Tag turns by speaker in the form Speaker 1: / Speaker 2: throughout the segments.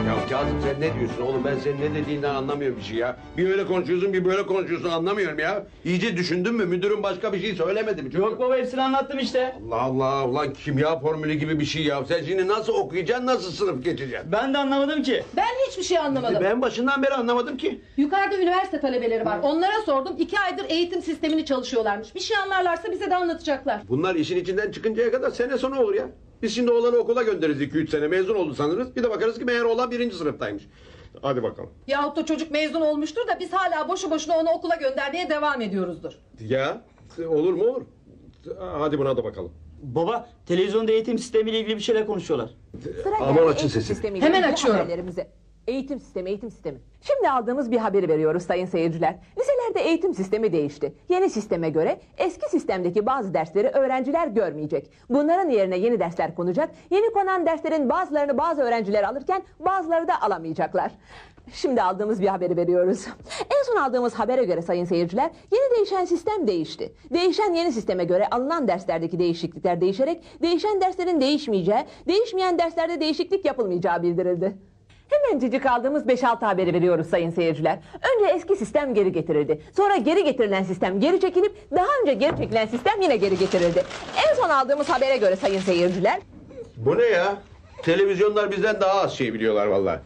Speaker 1: Ya Kazım sen ne diyorsun oğlum? Ben senin ne dediğinden anlamıyorum bir şey ya. Bir öyle konuşuyorsun, bir böyle konuşuyorsun, anlamıyorum ya. İyice düşündün mü? Müdürün başka bir şey söylemedi mi?
Speaker 2: Yok baba, hepsini anlattım işte.
Speaker 1: Allah Allah, ulan kimya formülü gibi bir şey ya. Sen şimdi nasıl okuyacaksın, nasıl sınıf geçeceksin?
Speaker 2: Ben de anlamadım ki.
Speaker 3: Ben hiçbir şey anlamadım.
Speaker 1: Ben başından beri anlamadım ki.
Speaker 3: Yukarıda üniversite talebeleri var. Onlara sordum. 2 aydır eğitim sistemini çalışıyorlarmış. Bir şey anlarlarsa bize de anlatacaklar.
Speaker 1: Bunlar işin içinden çıkıncaya kadar sene sonu olur ya. Biz şimdi oğlanı okula göndeririz 2-3 sene, mezun oldu sanırız. Bir de bakarız ki meğer oğlan 1. sınıftaymış. Hadi bakalım.
Speaker 3: Yahut da çocuk mezun olmuştur da biz hala boşu boşuna onu okula göndermeye devam ediyoruzdur.
Speaker 1: Ya olur mu olur. Hadi buna da bakalım.
Speaker 2: Baba, televizyonda eğitim sistemiyle ilgili bir şeyler konuşuyorlar.
Speaker 1: Aman açın sesini.
Speaker 3: Hemen açıyorum.
Speaker 4: Eğitim sistemi. Şimdi aldığımız bir haberi veriyoruz sayın seyirciler. Liselerde eğitim sistemi değişti. Yeni sisteme göre eski sistemdeki bazı dersleri öğrenciler görmeyecek. Bunların yerine yeni dersler konacak. Yeni konan derslerin bazılarını bazı öğrenciler alırken bazıları da alamayacaklar. Şimdi aldığımız bir haberi veriyoruz. En son aldığımız habere göre sayın seyirciler, yeni değişen sistem değişti. Değişen yeni sisteme göre alınan derslerdeki değişiklikler değişerek değişen derslerin değişmeyeceği, değişmeyen derslerde değişiklik yapılmayacağı bildirildi. Hemencecik aldığımız 5-6 haberi veriyoruz sayın seyirciler. Önce eski sistem geri getirildi. Sonra geri getirilen sistem geri çekilip daha önce geri çekilen sistem yine geri getirildi. En son aldığımız habere göre sayın seyirciler...
Speaker 1: Bu ne ya? Televizyonlar bizden daha az şey biliyorlar vallahi.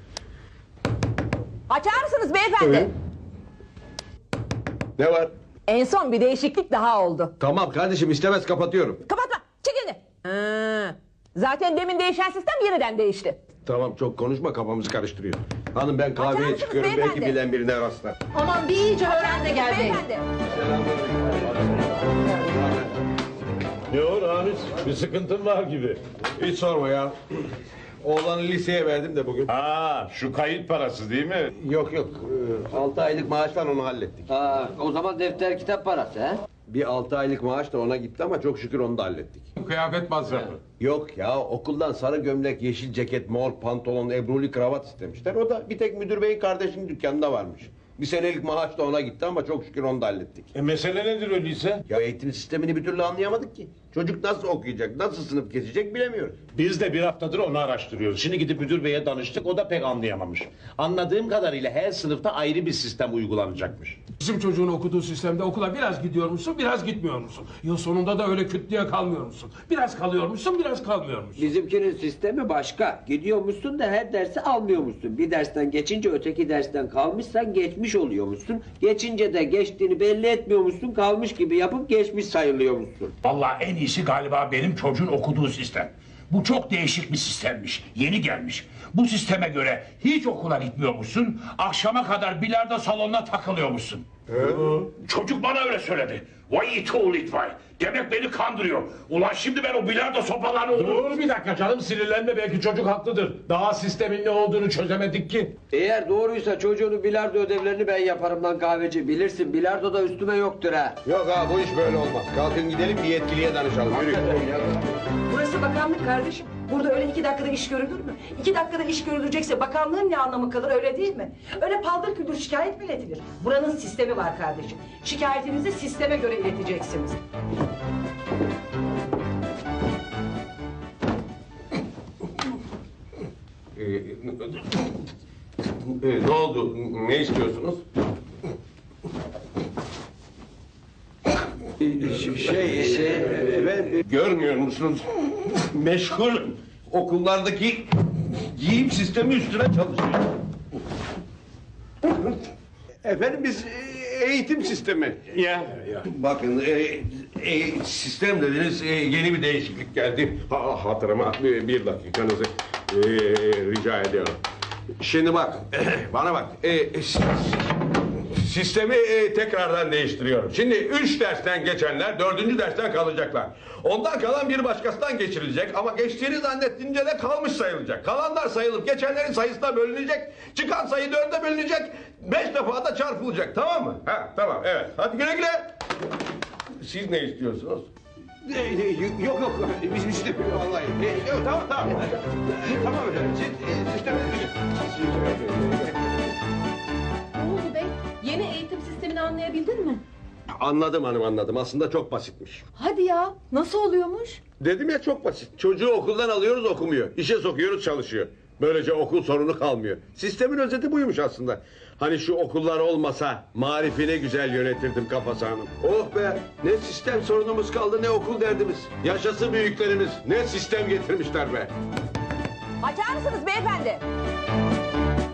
Speaker 4: Açar mısınız beyefendi?
Speaker 1: Evet. Ne var?
Speaker 4: En son bir değişiklik daha oldu.
Speaker 1: Tamam kardeşim, istemez kapatıyorum.
Speaker 4: Kapatma, çık elini. Zaten demin değişen sistem yeniden değişti.
Speaker 1: Tamam, çok konuşma, kafamızı karıştırıyor. Hanım ben
Speaker 4: Açar
Speaker 1: kahveye
Speaker 4: mısınız
Speaker 1: çıkıyorum,
Speaker 4: beyefendi?
Speaker 1: belki bilen birine rastlar.
Speaker 3: Aman bir iyice öğren de gel bey.
Speaker 4: Beyefendi.
Speaker 5: Ne o Ramiz? Bir sıkıntın var gibi.
Speaker 1: Hiç sorma ya. Oğlanı liseye verdim de bugün.
Speaker 5: Ha, şu kayıt parası değil mi?
Speaker 1: Yok 6 aylık maaştan onu hallettik.
Speaker 6: O zaman defter kitap parası he?
Speaker 1: Bir 6 aylık maaş da ona gitti ama çok şükür onu da hallettik.
Speaker 5: Kıyafet masrafı.
Speaker 1: Yok ya, okuldan sarı gömlek, yeşil ceket, mor pantolon, ebruli kravat istemişler. O da bir tek müdür beyin kardeşinin dükkanında varmış. Bir senelik maaş da ona gitti ama çok şükür onu da hallettik.
Speaker 5: Mesele nedir öyleyse?
Speaker 1: Ya eğitim sistemini bir türlü anlayamadık ki. Çocuk nasıl okuyacak, nasıl sınıf geçecek bilemiyoruz.
Speaker 5: Biz de bir haftadır onu araştırıyoruz. Şimdi gidip müdür beye danıştık, o da pek anlayamamış. Anladığım kadarıyla her sınıfta ayrı bir sistem uygulanacakmış.
Speaker 7: Bizim çocuğun okuduğu sistemde okula biraz gidiyor musun, biraz gitmiyor musun? Yıl sonunda da öyle küt diye kalmıyor musun? Biraz kalıyormuşsun, biraz kalmıyormuşsun.
Speaker 6: Bizimkinin sistemi başka. Gidiyormuşsun da her dersi almıyormuşsun. Bir dersten geçince öteki dersten kalmışsan geçmiş oluyormuşsun. Geçince de geçtiğini belli etmiyormuşsun. Kalmış gibi yapıp geçmiş sayılıyormuşsun.
Speaker 8: Vallahi en iyisi galiba benim çocuğun okuduğu sistem. Bu çok değişik bir sistemmiş. Yeni gelmiş. Bu sisteme göre hiç okula gitmiyormuşsun. Akşama kadar bilardo salonuna takılıyormuşsun. Çocuk bana öyle söyledi. Vay it oğlu it vay. Demek beni kandırıyor. Ulan şimdi ben o bilardo sopalarını...
Speaker 5: Dur bir dakika canım, sinirlenme, belki çocuk haklıdır. Daha sistemin ne olduğunu çözemedik ki.
Speaker 6: Eğer doğruysa çocuğunun bilardo ödevlerini ben yaparım lan kahveci. Bilirsin bilardo da üstüme yoktur ha.
Speaker 1: Yok ha, bu iş böyle olmaz. Kalkın gidelim, bir yetkiliye danışalım. Yürü.
Speaker 9: Burası bakanlık kardeşim. Burada öyle 2 dakikada iş görülür mü? 2 dakikada iş görülecekse bakanlığın ne anlamı kalır, öyle değil mi? Öyle paldır küldür şikayet mi iletilir? Buranın sistemi var kardeşim. Şikayetinizi sisteme göre ileteceksiniz.
Speaker 1: Ne oldu? Ne istiyorsunuz? Ben görmüyor musunuz? Meşgulüm. Okullardaki giyim sistemi üstüne çalışıyor. Efendim biz eğitim sistemi. Ya. Bakın sistem dediniz, yeni bir değişiklik geldi. Hatırıma bir dakikanızı rica ediyorum. Şimdi bak, bana bak. Sistemi tekrardan değiştiriyorum. Şimdi 3 dersten geçenler 4. dersten kalacaklar. Ondan kalan bir başkasından geçirilecek ama geçtiğini zannettiğince de kalmış sayılacak. Kalanlar sayılıp geçenlerin sayısına bölünecek. Çıkan sayı 4'e bölünecek. 5 defa da çarpılacak, tamam mı? Ha, tamam, evet. Hadi güle güle. Siz ne istiyorsunuz? Yok biz istemiyoruz vallahi. Yok, tamam. Tamam öyle. Sistemi...
Speaker 3: Ne oldu bey? Yeni eğitim sistemini anlayabildin mi?
Speaker 1: Anladım hanım, anladım. Aslında çok basitmiş.
Speaker 3: Hadi ya, nasıl oluyormuş?
Speaker 1: Dedim ya, çok basit. Çocuğu okuldan alıyoruz, okumuyor. İşe sokuyoruz, çalışıyor. Böylece okul sorunu kalmıyor. Sistemin özeti buymuş aslında. Hani şu okullar olmasa Marif'i ne güzel yönetirdim Kafası Hanım. Oh be, ne sistem sorunumuz kaldı ne okul derdimiz. Yaşasın büyüklerimiz, ne sistem getirmişler be.
Speaker 4: Açar mısınız beyefendi?